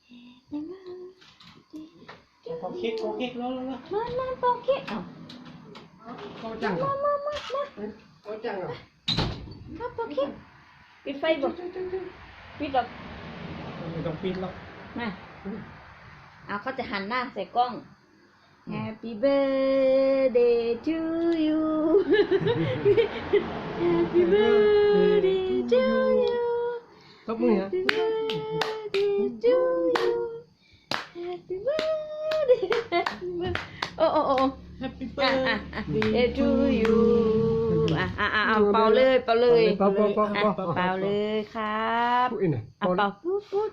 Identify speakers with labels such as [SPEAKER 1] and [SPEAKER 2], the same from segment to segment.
[SPEAKER 1] พอคิดแล้ว
[SPEAKER 2] มาเป่าเค้กเอา
[SPEAKER 1] ก็จังก็จังอ่ะ
[SPEAKER 2] มาเป่าเค้กปิดไฟบ่ปิดหรอก
[SPEAKER 1] ไม่ต้องปิดหรอก
[SPEAKER 2] มาเอาเขาจะหันหน้าใส่กล้อง Happy birthday to you Happy birthday to you
[SPEAKER 1] ตบมือฮะ
[SPEAKER 2] Happy birthday to you Happy birthday โอ้
[SPEAKER 1] Happy birthday
[SPEAKER 2] to you เป่าเลยเป่าเลยครับ
[SPEAKER 1] พูดอีกหน่อย
[SPEAKER 2] เป่าพูด
[SPEAKER 1] พูด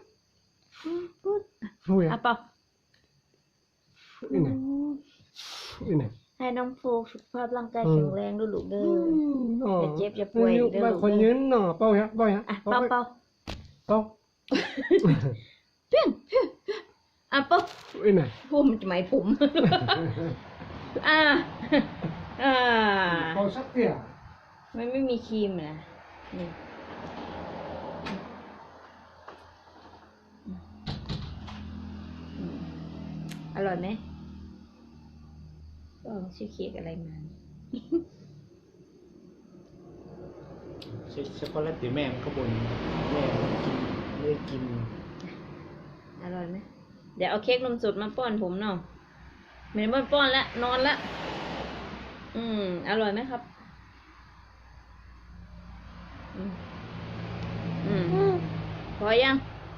[SPEAKER 2] เป่า
[SPEAKER 1] พูดอีกหน่อย
[SPEAKER 2] ให้น้องโฟกสุขภาพร่างกายแข็งแรงด้วยลูกเด้ออย่าเจ็บอย่าป่วยเด้อลูก
[SPEAKER 1] คนยืนเนาะเป่าฮะเป่า
[SPEAKER 2] เพี้ยงเป่า
[SPEAKER 1] พูดอีกหน่อย
[SPEAKER 2] ผมจะไม่ผมเ
[SPEAKER 1] ป่าสักเดียว
[SPEAKER 2] มันไม่มีครีมนะนี่อร่อยไหมชื่อเค้กอะไรมา
[SPEAKER 1] ช็อกโกแลตตีแม่มันก็บ่นแม่กินไม่ได้กิน
[SPEAKER 2] อร่อยไหมเดี๋ยวเอาเค้กนมสดมาป้อนผมเนาะไม่ได้ป้อนแล้วนอนละอร่อยไหมครับพอยัง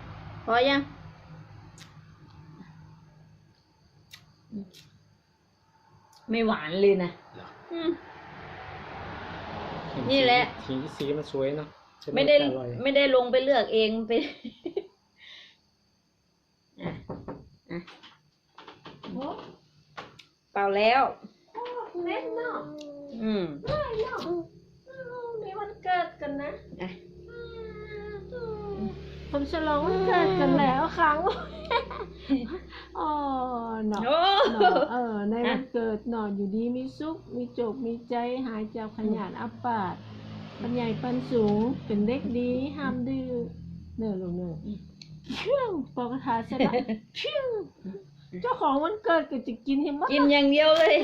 [SPEAKER 2] ไม่หวานเลยนะนี่แหละ
[SPEAKER 1] สีมันสวยเนาะ
[SPEAKER 2] ไม่ได้ลงไปเลือกเองไปเป่าแล้ว
[SPEAKER 3] เล่นเนาะได้เนาะมีวันเกิดกันนะผมฉลองวันเกิดกันแล้วครั้งเนาะในวันเกิดเนาะอยู่ดีมีสุขมีโจกมีใจหายจากขยันอัปปาดปัญญาปันสูงเป็นเด็กดีห้ามดื้อเนอลูกเนอเชื่องปอกทาเสร็จแล้วเชื่องเจ้าของวันเกิดก็จะกินให้หมด
[SPEAKER 2] กินอย่างเดียวเลย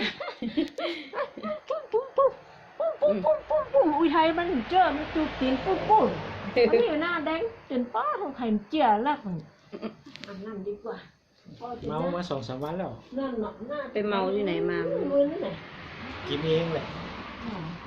[SPEAKER 3] ปุ้มอุ้ยไทยมันเจอมันจูบตีนปุ้มมันอยู่หน้าแดงจนป้าของไข่เจียแล้วอาบน้ำดีกว่า
[SPEAKER 1] เมามา2-3 วันแล้ว
[SPEAKER 3] นั่นเนาะ
[SPEAKER 2] ไปเมาที่ไหนมา
[SPEAKER 3] มือนี่ไหน
[SPEAKER 1] กินเองแหละ